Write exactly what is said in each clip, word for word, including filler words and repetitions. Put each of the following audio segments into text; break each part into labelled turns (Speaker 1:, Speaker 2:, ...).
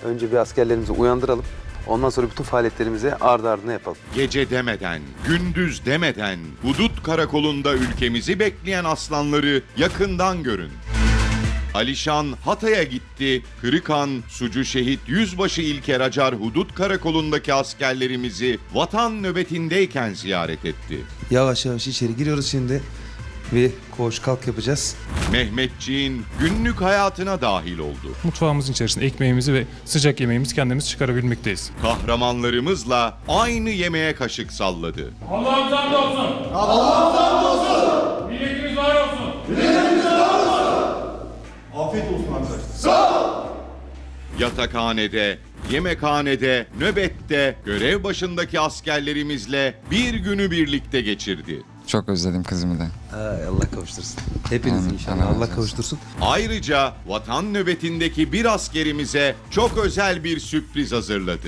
Speaker 1: önce bir askerlerimizi uyandıralım. Ondan sonra bütün faaliyetlerimizi ardı ardına yapalım.
Speaker 2: Gece demeden, gündüz demeden hudut karakolunda ülkemizi bekleyen aslanları yakından görün. Alişan Hatay'a gitti, Kırıkhan, Sucu Şehit Yüzbaşı İlker Acar Hudut Karakolu'ndaki askerlerimizi vatan nöbetindeyken ziyaret etti.
Speaker 1: Yavaş yavaş içeri giriyoruz şimdi. Bir koğuş kalk yapacağız.
Speaker 2: Mehmetçiğin günlük hayatına dahil oldu.
Speaker 3: Mutfağımızın içerisinde ekmeğimizi ve sıcak yemeğimizi kendimiz çıkarabilmekteyiz.
Speaker 2: Kahramanlarımızla aynı yemeğe kaşık salladı.
Speaker 4: Allah'ım hamd olsun. Allah'ım hamd olsun. Milletimiz var olsun. Milletimiz var olsun.
Speaker 5: Afiyet olsun arkadaşlar.
Speaker 2: Sağ ol. Yatakhanede, yemekhanede, nöbette görev başındaki askerlerimizle bir günü birlikte geçirdi.
Speaker 6: Çok özledim kızımı da.
Speaker 1: Ay, Allah kavuştursun. Hepiniz
Speaker 6: Amin.
Speaker 1: inşallah.
Speaker 6: Allah razı
Speaker 1: Allah
Speaker 6: olsun.
Speaker 1: kavuştursun.
Speaker 2: Ayrıca vatan nöbetindeki bir askerimize çok özel bir sürpriz hazırladı.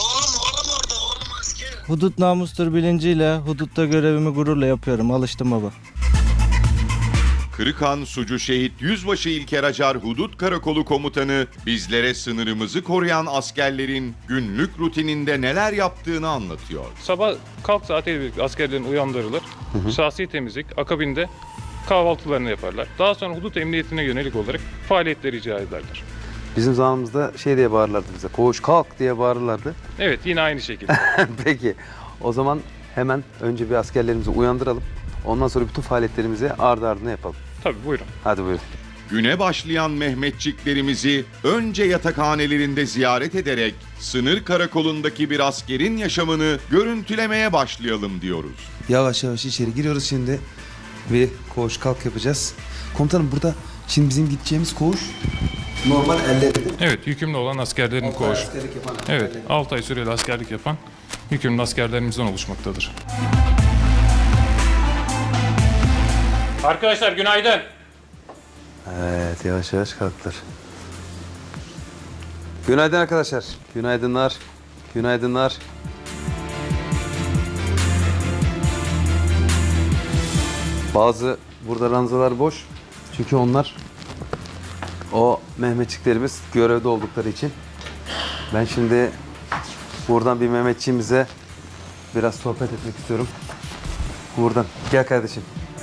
Speaker 7: Hudut namustur bilinciyle hudutta görevimi gururla yapıyorum. Alıştım baba.
Speaker 2: Kırıkhan Sucu Şehit Yüzbaşı İlker Acar Hudut Karakolu Komutanı bizlere sınırımızı koruyan askerlerin günlük rutininde neler yaptığını anlatıyor.
Speaker 3: Sabah kalk saatiyle birlikte askerlerin uyandırılır. Şahsi temizlik, akabinde kahvaltılarını yaparlar. Daha sonra hudut emniyetine yönelik olarak faaliyetleri icra ederler.
Speaker 1: Bizim zamanımızda şey diye bağırırlardı bize. Koğuş kalk diye bağırırlardı.
Speaker 3: Evet, yine aynı şekilde.
Speaker 1: Peki o zaman hemen önce bir askerlerimizi uyandıralım. Ondan sonra bütün faaliyetlerimizi ardı ardına yapalım.
Speaker 3: Tabii, buyurun.
Speaker 1: Hadi buyurun.
Speaker 2: Güne başlayan Mehmetçiklerimizi önce yatakhanelerinde ziyaret ederek sınır karakolundaki bir askerin yaşamını görüntülemeye başlayalım diyoruz.
Speaker 1: Yavaş yavaş içeri giriyoruz şimdi. Bir koğuş kalk yapacağız. Komutanım burada şimdi bizim gideceğimiz koğuş normal ellerinde.
Speaker 3: Evet, yükümlü olan askerlerin koğuşu.
Speaker 1: Askerlik yapan
Speaker 3: Evet,
Speaker 1: askerlerin.
Speaker 3: altı ay süreli askerlik yapan yükümlü askerlerimizden oluşmaktadır.
Speaker 4: Arkadaşlar günaydın.
Speaker 1: Evet, yavaş yavaş kalktılar. Günaydın arkadaşlar. Günaydınlar. Günaydınlar. Bazı burada ranzalar boş. Çünkü onlar o Mehmetçiklerimiz görevde oldukları için. Ben şimdi buradan bir Mehmetçiğimize biraz sohbet etmek istiyorum. Buradan. Gel kardeşim.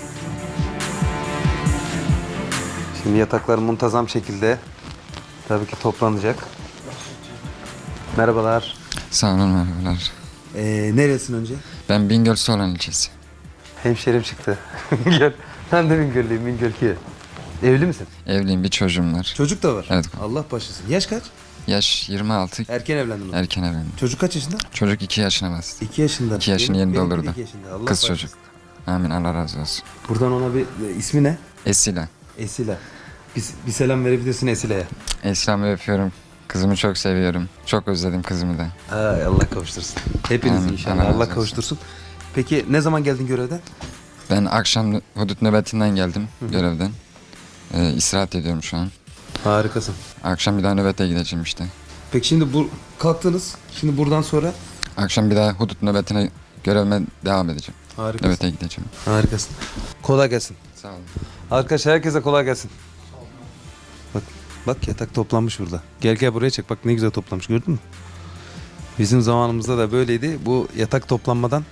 Speaker 1: Şimdi yataklar muntazam şekilde tabii ki toplanacak. Merhabalar.
Speaker 6: Sağ olun, merhabalar.
Speaker 1: Ee, neresin önce?
Speaker 6: Ben Bingöl Soğan ilçesi.
Speaker 1: Hemşerim çıktı. Gel. Ben de Bingöllüyüm, Bingöl ki. Evli misin?
Speaker 6: Evliyim, bir çocuğum var.
Speaker 1: Çocuk da var.
Speaker 6: Evet.
Speaker 1: Allah başlasın. Yaş kaç?
Speaker 6: Yaş yirmi altı,
Speaker 1: Erken evlendin mi?
Speaker 6: erken evlendim.
Speaker 1: Çocuk kaç yaşında?
Speaker 6: Çocuk iki yaşına bastı.
Speaker 1: iki yaşında.
Speaker 6: İki yaşını
Speaker 1: Benim-
Speaker 6: yeni
Speaker 1: benimki de
Speaker 6: doldurdu.
Speaker 1: iki yaşında. Allah
Speaker 6: Kız
Speaker 1: başlasın.
Speaker 6: çocuk. Amin, Allah razı olsun.
Speaker 1: Buradan ona bir e, ismi ne?
Speaker 6: Esila.
Speaker 1: Esila. Bir, bir selam verebilirsin Esile'ye.
Speaker 6: Esra'mı öpüyorum. Kızımı çok seviyorum. Çok özledim kızımı da.
Speaker 1: Ay, Allah kavuştursun. Hepiniz
Speaker 6: Amin.
Speaker 1: inşallah.
Speaker 6: Allah razı
Speaker 1: Allah
Speaker 6: olsun.
Speaker 1: kavuştursun. Peki ne zaman geldin görevden?
Speaker 6: Ben akşam hudut nöbetinden geldim, görevden. Ee, istirahat ediyorum şu an.
Speaker 1: Harikasın.
Speaker 6: Akşam bir daha nöbete gideceğim işte.
Speaker 1: Peki şimdi bu kalktınız. Şimdi buradan sonra
Speaker 6: Akşam bir daha hudut nöbetine görevime devam edeceğim.
Speaker 1: harikasın.
Speaker 6: Nöbete gideceğim.
Speaker 1: Harikasın. Kolay gelsin.
Speaker 6: Sağ olun.
Speaker 1: Arkadaşlar herkese kolay gelsin. Bak, bak yatak toplanmış burada. Gel gel buraya çek. Bak ne güzel toplamış, gördün mü? Bizim zamanımızda da böyleydi. Bu yatak toplanmadan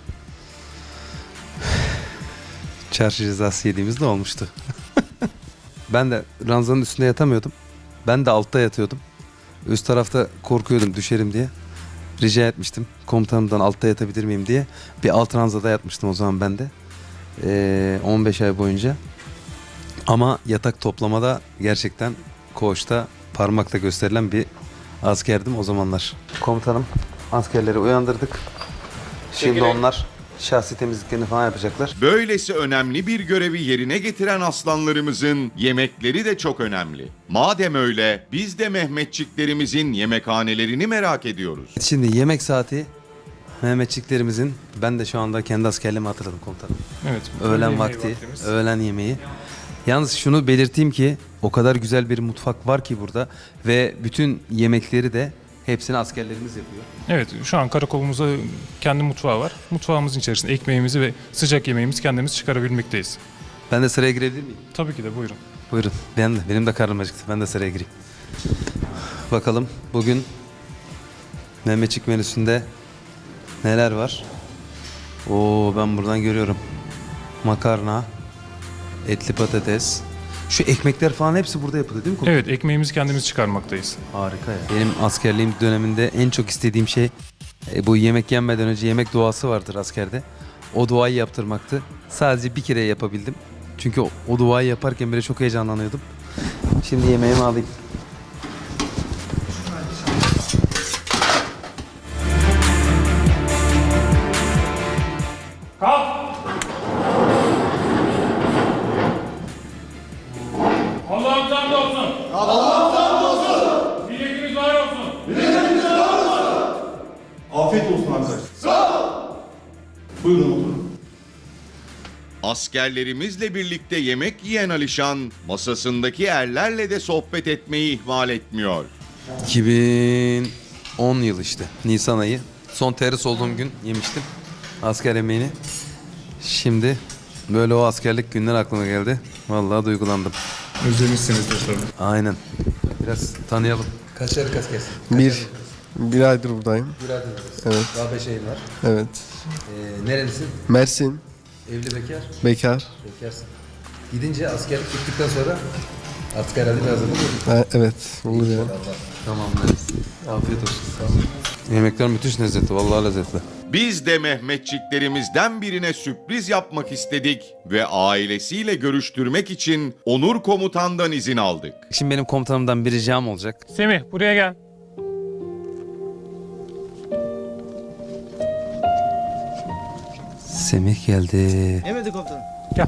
Speaker 1: çarşı cezası yediğimiz de olmuştu. Ben de ranzanın üstünde yatamıyordum. Ben de altta yatıyordum. Üst tarafta korkuyordum düşerim diye. Rica etmiştim komutanımdan altta yatabilir miyim diye. Bir alt ranzada yatmıştım o zaman ben de. Ee, on beş ay boyunca. Ama yatak toplamada gerçekten koğuşta parmakla gösterilen bir askerdim o zamanlar. Komutanım, askerleri uyandırdık. Şimdi
Speaker 4: Çekilin.
Speaker 1: onlar şahsi temizliklerini falan yapacaklar.
Speaker 2: Böylesi önemli bir görevi yerine getiren aslanlarımızın yemekleri de çok önemli. Madem öyle biz de Mehmetçiklerimizin yemekhanelerini merak ediyoruz.
Speaker 1: Şimdi yemek saati Mehmetçiklerimizin, ben de şu anda kendi askerliğimi hatırladım komutanım.
Speaker 3: Evet.
Speaker 1: Öğlen
Speaker 3: yemeği
Speaker 1: vakti,
Speaker 3: vaktimiz.
Speaker 1: öğlen yemeği. Yalnız şunu belirteyim ki o kadar güzel bir mutfak var ki burada ve bütün yemekleri de hepsini askerlerimiz yapıyor.
Speaker 3: Evet, şu an karakolumuzda kendi mutfağı var. Mutfağımızın içerisinde ekmeğimizi ve sıcak yemeğimizi kendimiz çıkarabilmekteyiz.
Speaker 1: Ben de sıraya girebilir miyim?
Speaker 3: Tabii ki de, buyurun.
Speaker 1: Buyurun. Ben de, benim de karnım acıktı. Ben de sıraya gireyim. Bakalım bugün Mehmetçik menüsünde neler var? Oo, ben buradan görüyorum. Makarna, etli patates. Şu ekmekler falan hepsi burada yapılıyor değil mi?
Speaker 3: Evet, ekmeğimizi kendimiz çıkarmaktayız.
Speaker 1: Harika ya. Benim askerliğim döneminde en çok istediğim şey e, bu yemek yenmeden önce yemek duası vardır askerde. O duayı yaptırmaktı. Sadece bir kere yapabildim. Çünkü o, o duayı yaparken bile çok heyecanlanıyordum. Şimdi yemeğimi alayım.
Speaker 4: Kalk! Allah'ım sen de olsun. Allah'ım sen de olsun. Milletimiz var olsun.
Speaker 5: Afiyet olsun arkadaşlar. Sağ ol. Buyurun oturun.
Speaker 2: Askerlerimizle birlikte yemek yiyen Alişan, masasındaki erlerle de sohbet etmeyi ihmal etmiyor.
Speaker 1: iki bin on yıl işte. Nisan ayı. Son terhis olduğum gün yemiştim asker yemeğini. Şimdi böyle o askerlik günler aklıma geldi. Vallahi duygulandım.
Speaker 3: Özlemişsinizdir tabii.
Speaker 1: Aynen. Biraz tanıyalım. Kaç aylık askersin?
Speaker 8: Bir, bir aydır buradayım.
Speaker 1: Bir aydır.
Speaker 8: Evet,
Speaker 1: Daha beş ayın var.
Speaker 8: evet.
Speaker 1: Ee, nerelisin?
Speaker 8: Mersin,
Speaker 1: Evli, bekar?
Speaker 8: bekar.
Speaker 1: Bekarsın. Gidince askerlik bittikten sonra artık herhalde bir hazırlık olur.
Speaker 8: Ha, evet, olur yani.
Speaker 1: Tamam. Afiyet olsun. Sağ olun. Yemekler müthiş lezzetli. Vallahi lezzetli.
Speaker 2: Biz de Mehmetçiklerimizden birine sürpriz yapmak istedik ve ailesiyle görüştürmek için Onur Komutan'dan izin aldık.
Speaker 1: Şimdi benim komutanımdan bir ricam olacak.
Speaker 3: Semih, buraya gel.
Speaker 1: Semih geldi.
Speaker 7: Emredin komutanım.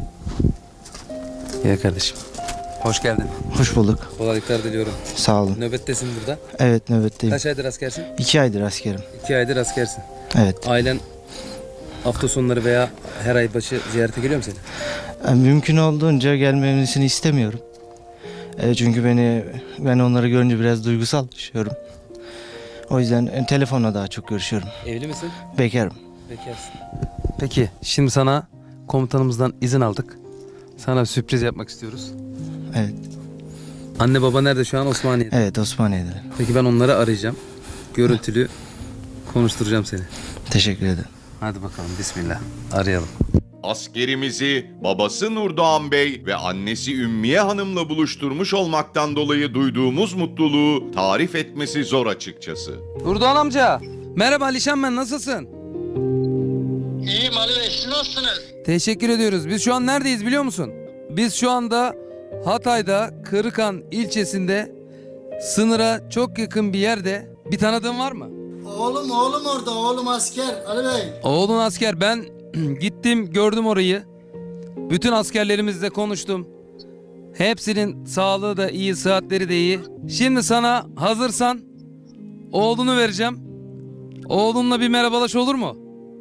Speaker 1: Gel kardeşim. Hoş geldin.
Speaker 7: Hoş bulduk.
Speaker 1: Kolaylıklar diliyorum.
Speaker 7: Sağ olun.
Speaker 1: Nöbettesin burada.
Speaker 7: Evet, nöbetteyim.
Speaker 1: Kaç aydır askersin?
Speaker 7: İki aydır askerim.
Speaker 1: İki aydır askersin.
Speaker 7: Evet.
Speaker 1: Ailen hafta sonları veya her ay başı ziyarete geliyor mu seni?
Speaker 7: Yani mümkün olduğunca gelmemesini istemiyorum. E, çünkü beni ben onları görünce biraz duygusal düşüyorum. O yüzden e, telefonla daha çok görüşüyorum.
Speaker 1: Evli misin?
Speaker 7: Bekarım.
Speaker 1: Bekarsın. Peki şimdi sana komutanımızdan izin aldık. Sana bir sürpriz yapmak istiyoruz.
Speaker 7: Evet.
Speaker 1: Anne baba nerede şu an? Osmaniye'de.
Speaker 7: Evet, Osmaniye'de.
Speaker 1: Peki ben onları arayacağım. Görüntülü konuşturacağım seni.
Speaker 7: Teşekkür ederim.
Speaker 1: Hadi bakalım bismillah. Arayalım.
Speaker 2: Askerimizi babası Nurdoğan Bey ve annesi Ümmiye Hanım'la buluşturmuş olmaktan dolayı duyduğumuz mutluluğu tarif etmesi zor açıkçası.
Speaker 1: Nurdoğan amca. Merhaba Alişan ben, nasılsın?
Speaker 9: İyiyim Ali Bey, siz nasılsınız?
Speaker 1: Teşekkür ediyoruz. Biz şu an neredeyiz biliyor musun? Biz şu anda Hatay'da Kırıkan ilçesinde sınıra çok yakın bir yerde. Bir tanıdığın var mı?
Speaker 9: Oğlum, oğlum orada, oğlum asker Ali Bey.
Speaker 1: Oğlun asker. Ben gittim gördüm orayı. Bütün askerlerimizle konuştum. Hepsinin sağlığı da iyi, sıhhatleri de iyi. Şimdi sana hazırsan oğlunu vereceğim. Oğlunla bir merhabalaş olur mu?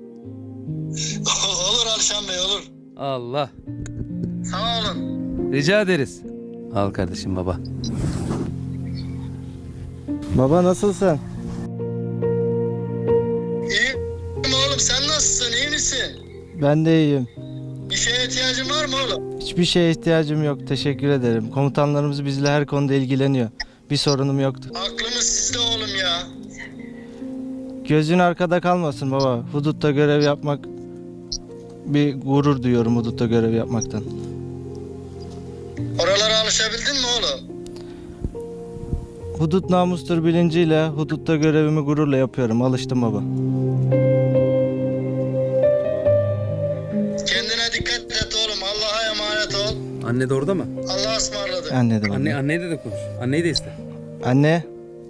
Speaker 9: Olur Alişan Bey, olur.
Speaker 1: Allah.
Speaker 9: Sağ olun.
Speaker 1: Rica ederiz. Al kardeşim baba.
Speaker 7: Baba nasılsın?
Speaker 9: İyiyim oğlum, sen nasılsın, iyi misin?
Speaker 7: Ben de iyiyim.
Speaker 9: Bir şeye ihtiyacın var mı oğlum?
Speaker 7: Hiçbir şeye ihtiyacım yok. Teşekkür ederim. Komutanlarımız bizle her konuda ilgileniyor. Bir sorunum yoktu.
Speaker 9: Aklımız sizde oğlum ya.
Speaker 7: Gözün arkada kalmasın baba. Hudutta görev yapmak bir gurur duyuyorum hudutta görev yapmaktan.
Speaker 9: Oralara alışabildin mi oğlum?
Speaker 7: Hudut namustur bilinciyle hudutta görevimi gururla yapıyorum. Alıştım baba.
Speaker 9: Kendine dikkat et oğlum, Allah'a emanet ol.
Speaker 1: Anne de orada mı?
Speaker 9: Allah'a ısmarladık.
Speaker 7: Anne de baba.
Speaker 1: Anne anneyle de konuş. Anneyi de iste.
Speaker 7: Anne.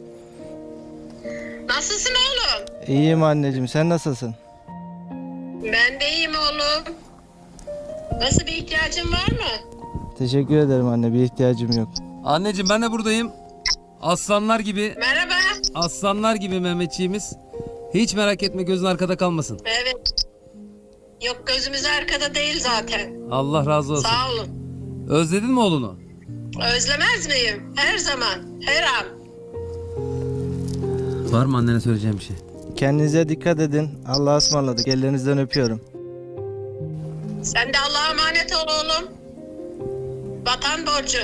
Speaker 10: Nasılsın oğlum?
Speaker 7: İyiyim anneciğim. Sen nasılsın?
Speaker 10: Ben de iyiyim oğlum. Nasıl bir ihtiyacın var mı?
Speaker 7: Teşekkür ederim anne. Bir ihtiyacım yok.
Speaker 1: Anneciğim ben de buradayım. Aslanlar gibi,
Speaker 10: Merhaba.
Speaker 1: aslanlar gibi Mehmetçiğimiz. Hiç merak etme, gözün arkada kalmasın.
Speaker 10: Evet. Yok, gözümüz arkada değil zaten.
Speaker 1: Allah razı olsun.
Speaker 10: Sağ olun.
Speaker 1: Özledin mi oğlunu?
Speaker 10: Özlemez miyim? Her zaman, her an.
Speaker 1: Var mı annene söyleyeceğim bir şey?
Speaker 7: Kendinize dikkat edin. Allah'a ısmarladık. Ellerinizden öpüyorum.
Speaker 10: Sen de Allah'a emanet ol oğlum. Vatan borcu.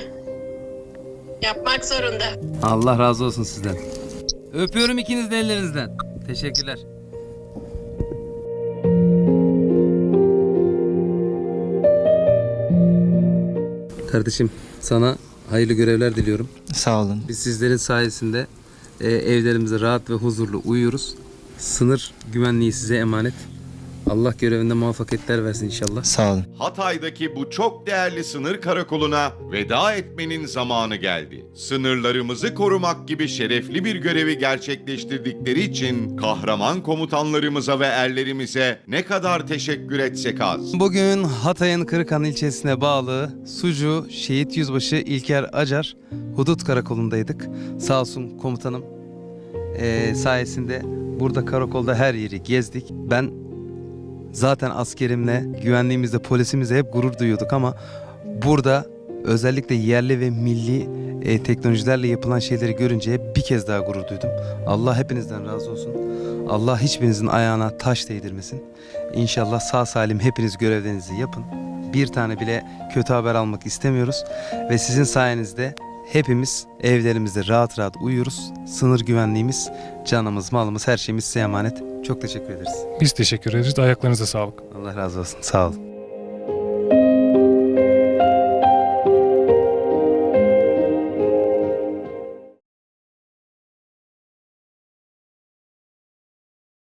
Speaker 10: Yapmak zorunda.
Speaker 1: Allah razı olsun sizden. Öpüyorum ikiniz de ellerinizden. Teşekkürler. Kardeşim sana hayırlı görevler diliyorum.
Speaker 7: Sağ olun.
Speaker 1: Biz sizlerin sayesinde e, evlerimizde rahat ve huzurlu uyuyoruz. Sınır güvenliği size emanet. Allah görevinde muvaffakiyetler versin inşallah.
Speaker 7: Sağ olun.
Speaker 2: Hatay'daki bu çok değerli sınır karakoluna veda etmenin zamanı geldi. Sınırlarımızı korumak gibi şerefli bir görevi gerçekleştirdikleri için kahraman komutanlarımıza ve erlerimize ne kadar teşekkür etsek az.
Speaker 1: Bugün Hatay'ın Kırıkhan ilçesine bağlı Sucu Şehit Yüzbaşı İlker Acar Hudut Karakolu'ndaydık. Sağ olsun komutanım e, sayesinde burada karakolda her yeri gezdik. Ben zaten askerimle, güvenliğimizle, polisimizle hep gurur duyuyorduk ama burada özellikle yerli ve milli e, teknolojilerle yapılan şeyleri görünce bir kez daha gurur duydum. Allah hepinizden razı olsun. Allah hiçbirinizin ayağına taş değdirmesin. İnşallah sağ salim hepiniz görevlerinizi yapın. Bir tane bile kötü haber almak istemiyoruz. Ve sizin sayenizde hepimiz evlerimizde rahat rahat uyuyoruz. Sınır güvenliğimiz, canımız, malımız, her şeyimiz size emanet. Çok teşekkür ederiz.
Speaker 3: Biz teşekkür ederiz. Ayaklarınıza sağlık.
Speaker 1: Allah razı olsun. Sağ olun.